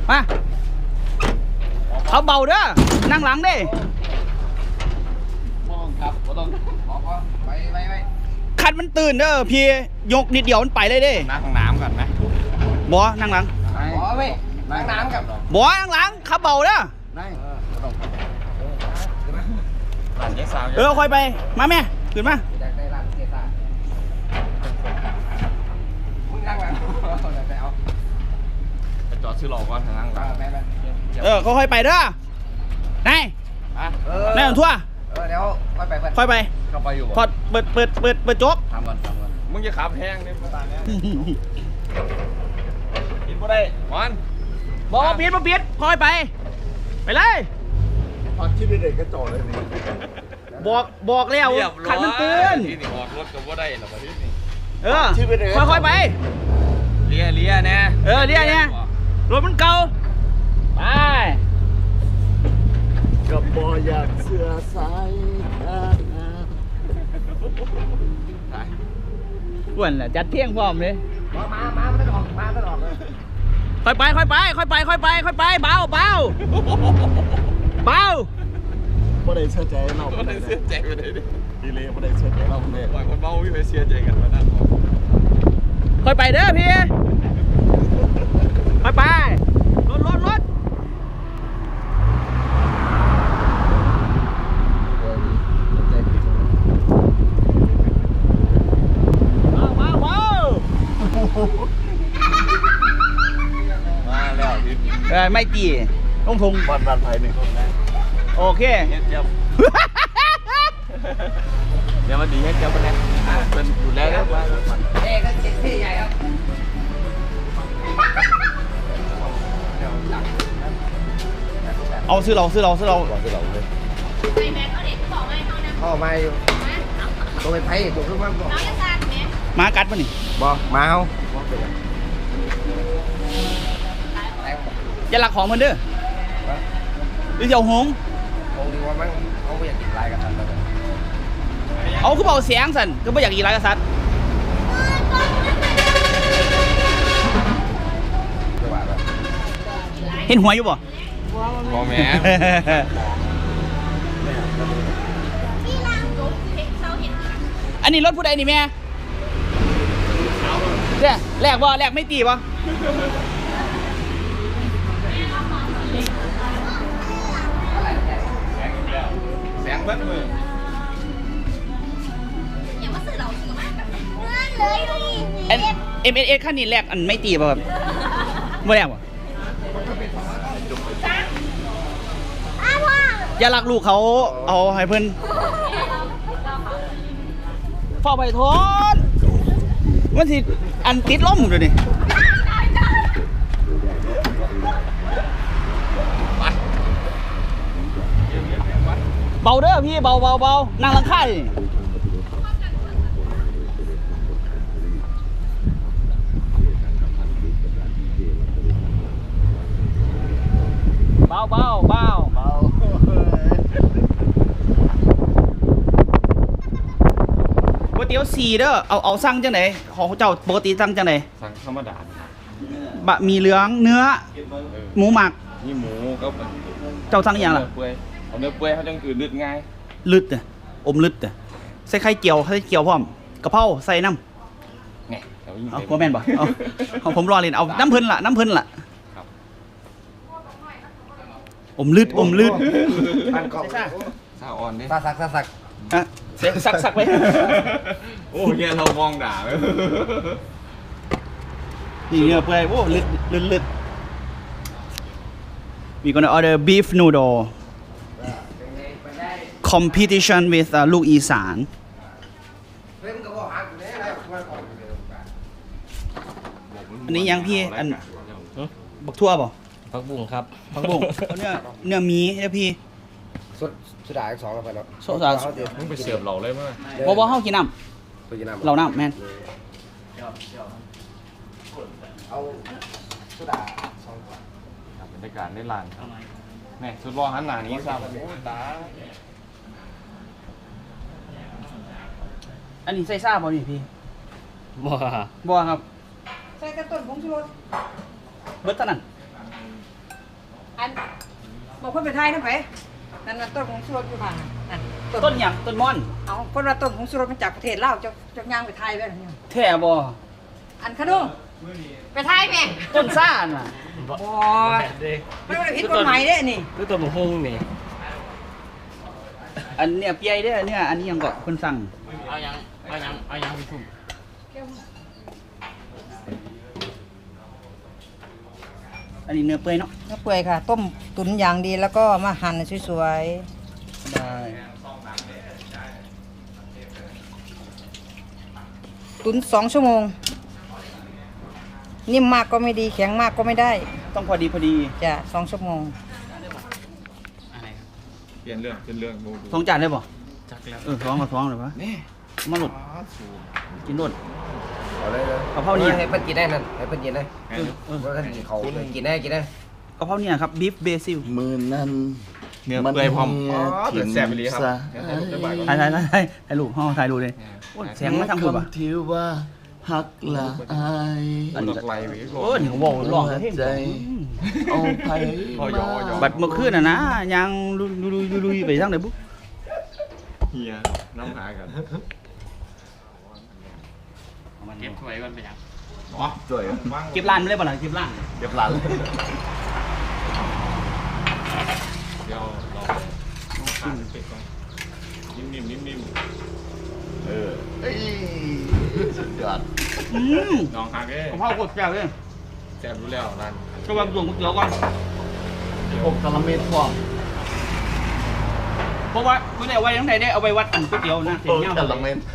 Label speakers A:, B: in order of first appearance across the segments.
A: มาเขาเบาเด้อนั่งหลังดิ
B: มองครับก็ต้องไป
A: คันมันตื่นเด้อพี่ยกนิดเดียวมันไปเลยเด้
B: นั่งน้ำก่อนไหม
A: บ่นั่งหลัง
B: บ่เว้ยนั่งน้ำกับ
A: บ่นั่งหลังเขาเบาเด้อ
B: หลานเจ๊สาว
A: ค่อยไปมาแม่ขึ้นมา
B: อยากได้ร้านเจ๊สาวมึงนั่งหลังไปเอาไปจอดซื้อหลอกก่อนนั่งหลัง
A: ค่อยไปเด้อไหนไหนของทั่ว
B: เดี๋ยว
A: ค่อยไป
B: เข้าไปอยู่
A: พอเปิดโจ๊ก
B: ทำก่อนมึงจะขับแห้งเนี่ยตาเนี้ยกินบ่ได้มัน
A: บอกเปียดค่อยไปเลย
B: ตอนคิดเด็กก็จอดเลยนี่
A: บอกแล้วขันมันตื่น
B: ที่นี่ออกรถก็บ่ได้หรอกที่นี่
A: ค่อยไป
B: เลียนะ
A: เลียเนี่ยรถมันเก่าไป
C: กับบออยากเสือสาย
A: อ้วนแหละจัดเที่ยงพร้อมเลย
B: มาไม่ต้องออกเลย
A: ค่อยไปเบา
C: บ่ได้เชื่อใจเรา
B: บ่ได้เสียใจไปเลยดิ
C: ดีเลยบ่ได้เชื่อใจเราเลย
B: ปล่อยคนเมาพี่ไปเสียใจกันมานั่ง
A: ค่อยไปเด้อพี่ค่อยไปรถ
B: มาแล้วพี่
A: ไม่ตีลงทง
C: บ้านไทย1คนนะ
A: โอเค
B: เดี๋ยวมาดีให้เจ้าไปแล้วเป็นอยู่แล้วว่าก็เจ็ดที่ใหญ่ครับ
A: เอาซื้อเรา
C: เลย
D: ไปแม็กเอาเด็กก็บอกไม่เขานะ
B: พ่อมาอยู่ตัวไปไพ่ตัวขึ้นมาบอก
D: น้องจะการแม็ก
A: มากัดป่ะนี่
B: บอกมาเอา
A: อย่าหลักของมันเด้อหรือจะเอาหง
B: ดีว่ามั้งเขาไม่อยากกินลายกับสัตว์
A: เอาคือเบาเสียงสันก็ไม่อยากกินไรกษัตริย์เห็นหัวอยู่บ่
B: พ่อแม่
D: ที่ล่างจุ๊บเห็นเขาเห็น
A: อันนี้รถผู้ใดนี่แม่เนี่ยแลกไม่ตีบ่
B: แสงเบิ้ลมือ
D: อย่ามาสื่อเราสื่อมากแบบนั้นเลย
A: MSX ขั้นนี้แลกอันไม่ตีป่ะครับไม่แลกป่ะอย่ารักลูกเขาเอาให้เพิ่นเฝ้าไปทนมันสิอันติดล้มอยู่นี่เบาเด้อพี่เบานั่งหลังค่ายเบาก๋วยเตี๋ยว4เด้อเอาสั่งจังไหนของเจ้าปกติสั่งจังไหน
B: สั่งธรรมดา
A: บะหมี่เหลืองเนื้อหมูหมัก
B: นี่หมูก็
A: เจ้าสั่งอย่างล่ะ
B: เอาเนื้อเปื่อยเขาจังคือลึดง่าย
A: ลึดอมลึดใส่ไข่เจียวพร้อมกะเพราใส่น้ำ
B: ไง
A: เอาโมแมนบ่เอาผมรอเล่นเอาน้ำเพิ่นล่ะอมลึด
B: อันกอบซาอ่อนดิซา
A: สักไป
B: โอ้ยเรามองด่าเลย
A: นี่เนื้อเปื่อยโอ้ลึดwe gonna order beef noodle competition with ลูกอีสานอันนี้ยังพี่อันบักทั่วป่ะ
B: ผักบุ้งครับ
A: ผักบุ้งเนื้อหมีนะพี่
B: สุดาอีก2แล้วไปแล้ว
A: โซดา
B: มึงไปเสิร์ฟเราเลยมั้ย
A: บ่เฮากินน้ำเราน้ำแม่น
B: เอาสุดา2ขวดบรรยากาศในร้านครับนี่สุดรอหันหน้านี้ครับตา
A: อันนี้ใส่ซ่าบ่นี่พี่บ่ครับใส่กระต้นผงชูรสเบิดเท่านั้น
E: อันบอกคนไปไทยนะไปนั่นต้นของสุรสอยู่บ้านนั่น
A: ต้นหยังต้นม่อน
E: เอาคนว่าต้นของสุรสมาจากประเทศลาวจะย่างไปไทยไปหรือยัง
A: แท่บ่
E: อันขนุนไปไทยแม่
A: ต้นซ่าน่ะ
E: บ่ไม่ได้ผิดกฎหมายเด้นี่
F: คือตัวหมูฮุ้งนี่
A: อันเนี้ยเปียเด้อเนี่ยอันนี้ยังก็เพิ่นสั่ง
F: เอายังพี่ทุ่ม
A: อันนี้เนื้อเปื่อยเนาะ
E: เนื้อเปื่อยค่ะ ต้มตุ๋นอย่างดีแล้วก็มาหั่นสวย
A: ได้
E: ๆตุ๋น2 ชั่วโมง นิ่มมากก็ไม่ดีแข็งมากก็ไม่ได้
A: ต้องพอดีพอดี
E: จ้ะ2 ชั่วโมง
F: อะไรครับ
B: เปลี่ยนเรื่องโมดู
A: ท้องจานได้บ่
F: จักแล้ว
A: ท้องเลยปะ
B: นี่
A: มาหลุด
B: สูง
A: กินโดด
G: เอาเลยเลย
A: กะเพราเนี่ย
G: ให้เพิ่นกินได้นั่นให้เพิ่นกินได้
A: เออ
G: ว่าท่านกินเขากินได้กินได้
A: กะเพราเนี่ยครับบีฟเบซิล
C: มือนั้น
B: เนื้อเปื่อยพร้อม
C: ถิ่น
B: แซ่บไปเลยครับ
C: ซะ
A: ถ่ายรูปห้องถ่ายรูปเลยโอ้ยแสงมาทางคุณปะ
C: คำที่ว่าฮักละอาย
B: อันนี้ไหลไปก่อน
A: โอ้ยนี่เขาบอกร้องเพลง
C: ใจเอาไป
B: พอยอ
A: บัดเมื่อคืนน่ะนะยังลุยไปทางไหนบุ๊ก
B: เฮียน้ำหากัน
F: เก็บถ้วยก่อนไปยัง
C: จ่วย
A: เก็บร้านไม่ได้ป่ะล่ะเก็บร้าน
C: เก็บหลัง
B: เดี๋ยวเราต้องขาดเป็ดก่อนนิ่ม
C: เอ้ยสุดยอด
B: น้องหากเอ้
A: กะเพราโคตรแซ่บเลย
B: แซ่บรู้แล้วร้าน
A: ก็วางส่วนก๋วยเตี๋ยวก่อน
C: ผมกะละเม็ดพร้อม
A: เพราะว่าไม่ได้เอาไว้ทั้งไหนได้เอาไว้วัดอันก๋วยเตี๋ยวนะเสียงเงี้ย
C: กะละเม็ด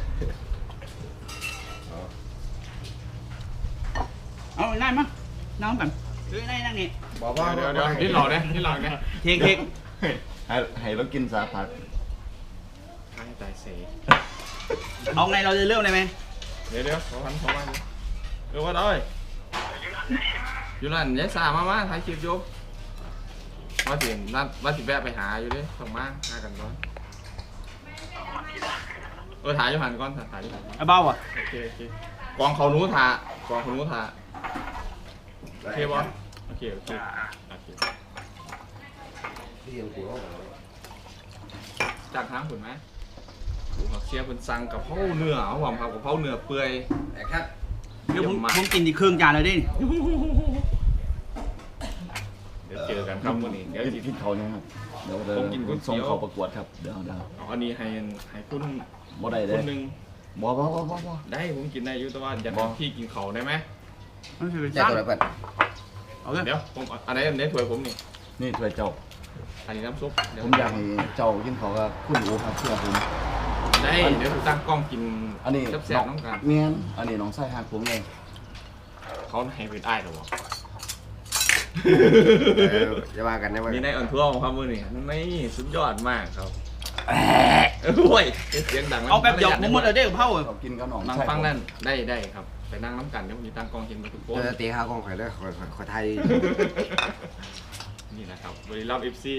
A: เอาไว้นั่นมั้งนั่งแบบนั่งนี่
C: บอกว่า
B: เดี๋ยวนี่หล่อเนี่ย
A: เค้ก
C: ให้เรากินสาผัก
B: ให้ตายเสย
A: เอาไงเราจะเริ่มเลยไหม
B: เดี๋ยวเขามาว่าได้อยู่นั่นยายสามาถ่ายคลิปยกว่าสินั่นว่าสิแวะไปหาอยู่ดิส่งมาหากันก่อนถ่ายอยู่หันก่อนถ่ายอยู่หัน
A: ไอ้เบ้าอ่ะ
B: โอเคกองเขาหนูถ่ากองเขาหนูถ่าโอเคบอโอเคจากทางคุณไหมผักเชียร์เป็นสั่งกับเพราเนื้อเอาผมครับกับเพราเนื้อเปื่อย
G: แต่ครับ
A: เดี๋ยวผมกินอีกครึ่งจานเลยดิ
B: เดี๋ยวเจอกันครับวันนี้เดี๋ยว
C: กินเขาเนี่ยครับเดี๋ยว
B: ผมกินก๋วยเตี๋ยว
C: ส่งเขาประกวดครับเดี๋ยว
B: อันนี้ให้คุณ
C: บ่ได้
B: ค
C: เด้
B: นหนึ่ง
C: บ่
B: ได้ผมกินได้อยู่แต่ว่าอยากให้พี่กินเขาได้ไหม
A: ไม่ใช่เป็น
G: แจก
A: ซ้
G: ตัวไหนเพิ่น
A: เอาเลย
B: เดี๋ยวผมอันไหนถ้วยผมนี่
C: นี่ถ้วยเจ้า
B: อันนี้น้ำซุป
C: ผมอยากให้เจ้ากินเขากับคุณอูครับเชื่อผม
B: ได้เดี๋ยวผมตั้งกล้องกิน
C: อันนี้
B: แซ่บๆน้องกัน
C: เมียนอันนี้น้องไส้หักผมเลย
B: เขาให้เป็นอ้ายหรอวะ
G: จะว่ากันนะว่า
B: มีในอ่อนทั่วของครับมือนี่ไม่สุดยอดมากครับโอ้ยเสียงดัง
A: เอาแป๊บเดียวผมหมดเลยได้กับเผา
C: เขากินกับน้อง
B: นั่ง
C: ไส้
B: ฟังนั่นได้ครับไปนั่งน้ำกันเดี๋ยวผมจะตั้งกล้องเห็นมาทุกคน
G: จะตีข้าวกองข่อยเด้อข่อยไทย
B: นี่นะครับบริลัม FC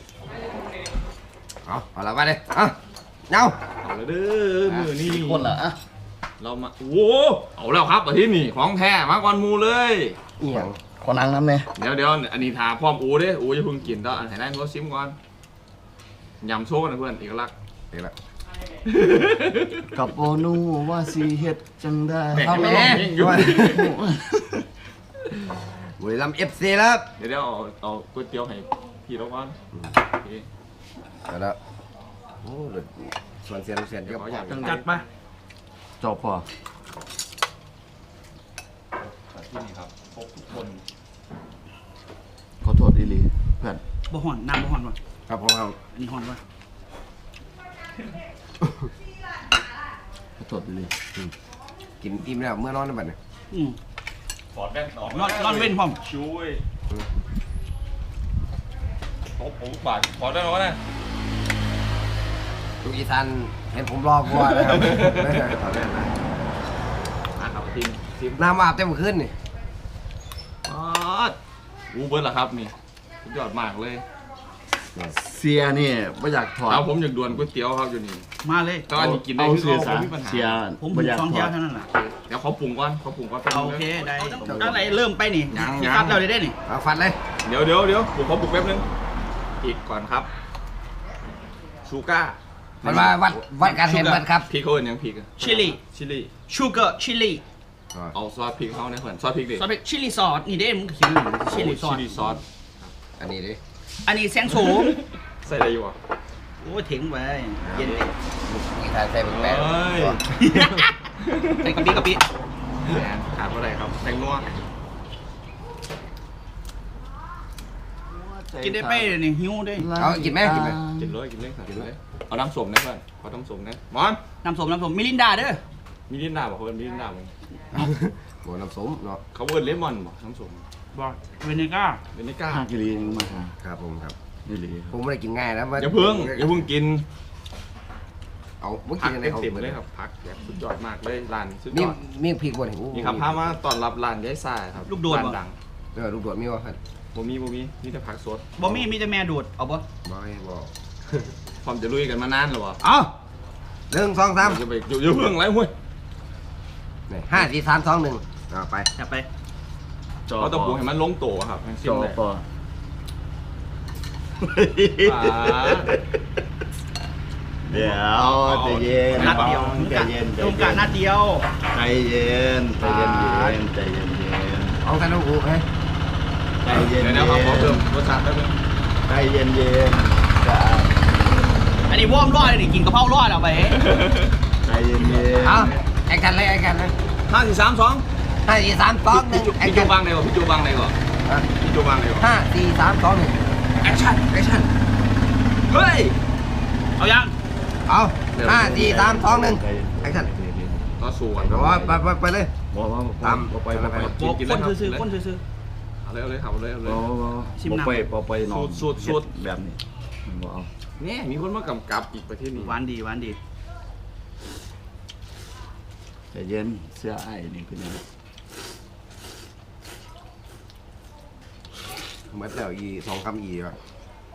G: เอาละมาเลยเงา
B: เอาแล้วเด้อมือนี่
C: กี่คนล่ะอะ
B: เรามาโอ้เอาแล้วครับอาทิตย์นี้ของแท้มาก่อนมูเลย
G: อีหยัง
C: ขอนั่งน้ำเนี่ย
B: เดี๋ยวอันนี้ทาพร้อมอูเด้อูจะเพิ่งกินแล้วอันไหนได้เขาซิมก่อนยำโชว์กันนะเพื่อนเอกลักษณ์
G: เดี๋ยวละ
C: กับโบนูว่าสีเฮ็ดจังได้
B: แม่
G: เอาแม่
B: ยิ่งอยู่
G: บุรีรัมย์ FC แล้ว
B: เดี๋ยวเอาก๋วยเตี๋ยวให้พี่เราก่อนโอเค
G: เดี๋ยวละโอ้เดือดส่วนเสียนเยอะพออย่าง
A: จัดมา
C: จบพอ
B: ที่นี่ครับครบทุกคน
C: ขอโทษอีหลีเพื่อน
A: บ่ห่อนน้ำบ่ห่อนวะ
G: ครับผมครับ
A: อันนี้ห่อนวะ
C: ขอโทษอีหลี
G: กินอิ่มแล้วเมื่อนอนได้บัดนี้
B: ถอดแว่นออก
A: นอนเว้นพร้อม
B: ช่วยผมบาทถอดได้แล้วนะ
G: ลูกอีสานเห็นผมรอกว่านะครับถอดแว่นนะ
B: ครับทีม
G: น้ำอาบเต็มขึ้นนี่
B: อูเบิร์ดเหรอครับนี่สุดยอดมากเลย
C: เสียนี่ไม่อยากถอด
B: เอาผมอยากด่วนก๋วยเตี๋ยวครับอยู่นี่
A: มาเลย
B: ก็อันนี้กินได้
C: เอา
B: คือ
C: เสีย
B: เขา
C: สา
B: ไม่มีปัญหา
C: เสีย
A: ผม
C: ไม่อยาก
A: 2
C: ถ
A: เที่ย
C: อ
A: ว
C: ด
A: เท่านั้นแหละ
B: เดี๋ยวเขาปรุงก่อน
A: โอเคได้
B: ต้อง
A: ตั้งไหนเริ่มไปนี่
B: ยัง
A: ตัดเราได้นี่
G: เอาฟันเลย
B: เดี๋ยวผมขอบุกแป๊บนึงอีกก่อนครับชูก้า
G: มันมาวัดการเห็นมันครับ
B: พริกเขาเป็นยังพริก
A: ชิลลี่
B: ชิลลี่
A: ชูเกอร์ชิลลี่
B: เอาซอสพริกเขาเนี่ยเพื่อนซอสพริกดิ
A: ซอสเป็นชิลลี่ซอสนี่เด้มึงเขียนชิลลี่ซอส
B: ชิลลี่ซอส
G: อันนี้ดิ
A: อันนี้แซงโสม
B: ใส่อะไรอยู่อ่ะ
A: โอ้ยถึงไปเย็นเลย
G: มีทางใส่เป็นแปด
A: ใส่กะปิ
B: แหมขาดเท่าไหร่ครับแตงนัว
A: กินได้ไปเลยนี่หิวด้วย
G: เอากินไหมกินไหม
B: กินเลยครับกินเลยเอาน้ำส้มนะเพื่อนเอาน้ำส้มนะมอน
A: น้ำส้มมิลินดาเด้อ
B: มิรินดาบอกเขาเป็นมิรินดามั้ง
G: โหน้ำส้มเนาะ
B: เขาเป็นเลมอนบอกน้ำส้ม
A: บอกเวนิก้า
B: เป็นนิก้า
C: ห้ากิโลนึงมาท
G: ครับผมครับ
C: ำนี่เลย
G: ผมไม่ได้กินง่ายนะ
B: อย่าเพิ่งกิน
G: เอาเมื่อ
B: ผั
G: กี้
B: ก
G: อะไรเอา
B: เต็มๆเลยครับผักแบบสุดยอดมากเลยร้านสุดย
G: มี
B: อด
G: มีพริกบ่เนี่ย
B: นี่ครับพามาต้อนรับร้านยายซ่าครับ
A: ลูกโดด
B: ร้าน
A: บ่
B: ดัง
G: ลูกโดดมีวะครับ
B: บ่มีนี่แต่ผักสด
A: บ่มีแต่แม่ดูดเอาบ่
G: บ่ให้บอก
B: พร้อมจะลุยกันมานานหรอวะ
A: เอา
G: 1 2 3
B: จะไปอยู่เพิ่งไรเว้ย
G: 5 4 3 2 1เอาไป
A: จับไป
B: เขาต้องปรุงให้มันลงตัวครับให้
C: จ
B: ชิม
C: อ
B: เลย
C: ปอ เดี๋ยวใจเย็น
A: นัดเดียว
C: ใจเย็น
A: ตรงกะนัดเดียว
C: ใจเย็นใจเย็นใจเย็น
G: เอากันลูกให้
C: ใจเย็น
B: เดี๋ยวเขาขอเพิ่มรสชาติแป๊บนึง
C: ใจเย็นจะ
A: อันนี้ว่อมรอดเลยนี่กินกะเพรารอดเอาไป
C: ใจเย็น
G: เอาแอคกันเลยแอคกันเลย
B: 5 4 3 2
G: 5 4 3 2 1แอค
B: พี่
G: กั
B: จู
G: น
B: บางไหนก่อนพี่จูบางไหนก่อนพี่จูบางไหนก่อน
G: 5 4 3 2 1
B: แอคชั่นเฮ้ย
A: เอายัง
G: เอา5 4 3 2 1แอคชั่น
B: ต่อสู้กัน
G: เอาไปเลย
C: บอกว่า
G: ตาม
C: ไป
A: คนซื้อคนซื้อ
B: เอาเลยครับเอาเลย
C: ไปนอนแบบนี้บอกเอา
B: นี่มีคนมากำกับอีกประเทศนี้
A: หวานดี
C: ใจเย็นเสื้อไอ้นี่คือยัง
G: เหมือนแล้วอี2 คำอีว่ะ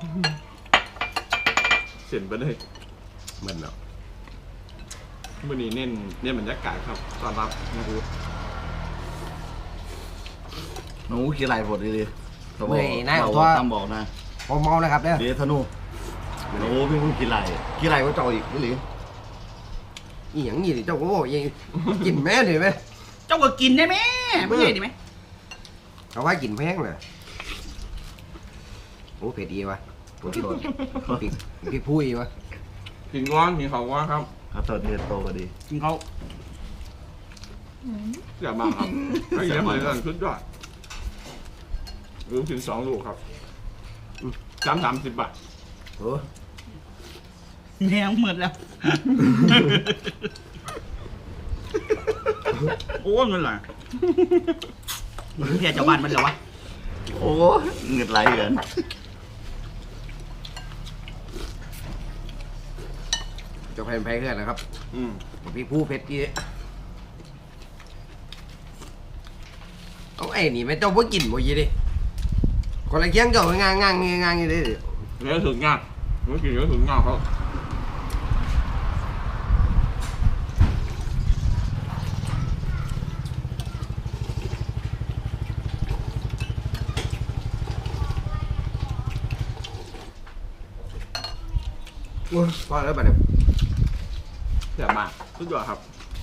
B: เสียนไปเลย
G: เหมือนแล้ว
B: วันนี้เน้นบรรยากาศครับต้อนรับนะครู
C: หนูกี่ไรผดดีตามบอกนะ
G: ผมเมานะครับเนี่ย
C: เดี๋ยวธนูหนูเป็นคนกี่ไรก็เจ้าอีกนี่หรือ
G: อีหยังนี่เจ้าโอ้ยกินแม่เลยไหม
A: เจ้าก็กินได้ไหมไม่ใช่ดีไหม
G: เขาว่ากินแพงเลยโอ้เผ็ดดีวะพริกพุยวะ
B: กินก้อนกินเขาก้อนครับ
C: ครับตอนนี้โตก็ดี
A: กินเขา
B: อย่ามาครับไม่เยอะเหมือนกันชุดยอดรู้ถึง2 ลูกครับ30 บาท
G: โอ้
A: แมวหมดแล้วโอ้เงินไหลเพียเจ้าบ้านมันเหรอวะ
C: โอ้เงินไหลเกิน
G: จะแพงแค่นะครับ
B: อืม
G: พริกพุเผ็ดดีเอาไอ้นี่ไม่เจ้าว่ากินบ่ยี่ดิคนละเคียงเจ้างางอยู่ดิ
B: เนื้อถึงงานเมื่อกี้เนื้อถึงงานเขา
G: พอแล้วบัดเนี่ย
B: อย่ามาชุดยอดครับ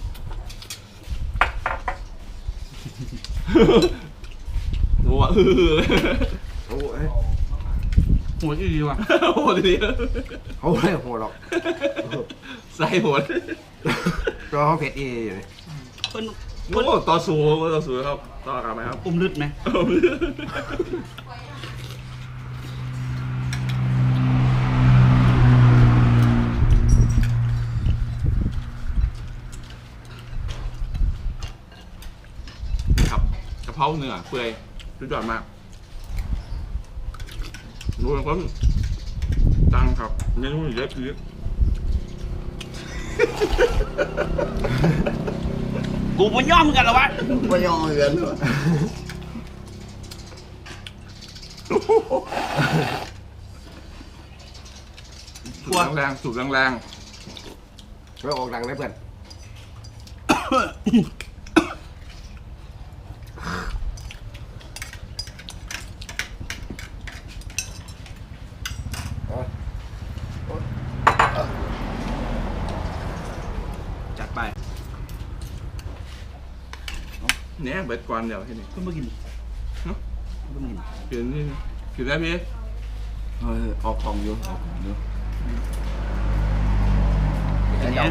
B: หัว
G: โอ้ย
A: หัวที่ดีว่ะ
B: หัวดี
G: เขาเลยหัวหรอก
B: ใส่หัว
G: ตัวเขาเผ็ดอีอยู่นี่
A: คน
B: โอ้ต่อสู้ครับต่อกันไหมครับ
A: อุ้มลึดไหม
B: ครับกะเพราเนื้อเปื่อยสุดยอดมากดูนะครับตังครับเมนูเยอะคือ
A: กูมันย่อมกันเหรอวะ
C: ไม่ยอมเงิน
B: สูบแรง
G: ไม่ออกดังนะเพื่อน
A: จัดไป
B: เนี่ยเบิดก่อนเดี๋ยวที่นี่
A: เพิ่งมากินเนาะเพิ่งมากิน
B: กินนี่กินได้พี่
C: เฮ้ยออกของอยู่ออกของอยู่
A: อันเนี้ย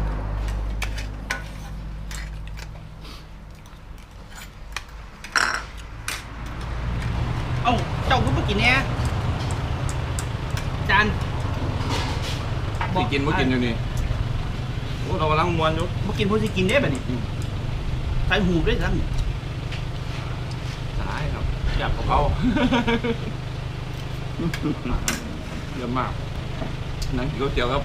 A: เอ้าเจ้าเพิ่งมากินเนี่ยจาน
B: สิกินบ่กินอยู่นี่โอ้เรากำลังมวนอยู่
A: มากินพวกที่กินได้แบบนี้ใส่หูด้วยซ้
B: ตายครับอยากของเขาเยอะมากนั่งกินก๋วยเตี๋ยวครับ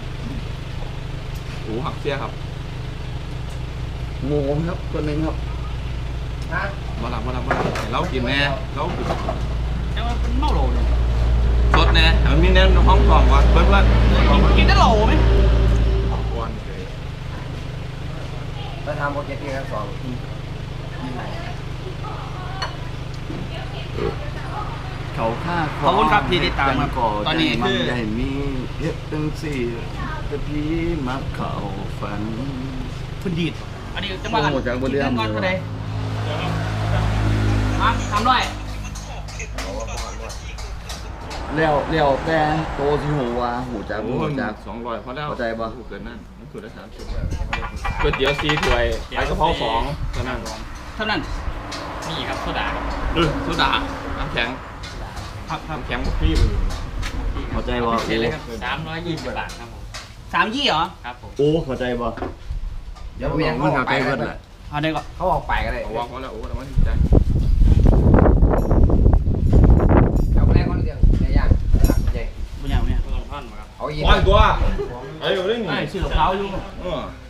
B: โอ้หักเสียครับ
C: งูครับตัวหนึงครับ
B: มาหลับเรากินแน่เรากิน
A: ำแต่ว่าเป็นเมาโหลเนี่ย
B: สดแน่แต่มันมีแน่ห้องกล่องวะเพื่อน
A: กินได้โหลไหม
B: ๆวันเลย
G: ถ้าทำโปรเจกต์ที่ครับสอง
C: เขาฆ่า
A: ขอบคุณครับที่ติดตามครับ
C: ก่อ
A: ตอนนี้
C: มั
A: คือ
C: ใหญ่มีเฮ็ดตั้งสี่แต่พี่มักเข้าฝัน
A: คุณดีดอันนี้จังหวะ
C: โอ้โหจากบ่เรื่อง
A: ก่อน
C: เลย
A: ก็ได้มาทำด้วย
C: แล้วแต่โตสิหูว่าหูจัก
B: โอ้
C: หู
B: ย
C: จัก
B: 200พอแล้ว
C: เข้าใจปะ
B: เกินนั่นมันคือได้30ก๋วยเตี๋ยว4ถ้วยไปกะเพรา2เท่านั้น
A: เท่านั้น
F: นี่ครับโซดาครับ
B: โซดาน้ำแข็ง
A: ครับครับ
B: น้ำแข็งบุฟฟี่เลย
C: เข้าใจบ่
F: พิเศษเลยครับ320 บาทครับผม
A: 3 ยี่เหรอ
F: ครับผม
C: โอ้เข้าใจบ่
G: เดี๋ยวผมยังเข้าไปกันเลย
A: เอาได้ก็
G: เขาออกไปกันเลย
B: เอาวางไว้แล้วโอ้แล้วมันใจ
G: เอาแรกเขาเรื่องในย่างใหญ่
A: บุญอย่างเนี่ย
F: ต้องท่อนมาครับ
G: เอาอีก
B: ปล่อยตัวไอ้อยู่ได้ไง
A: ไอ้ซื้อกับเขาอยู่
B: เออ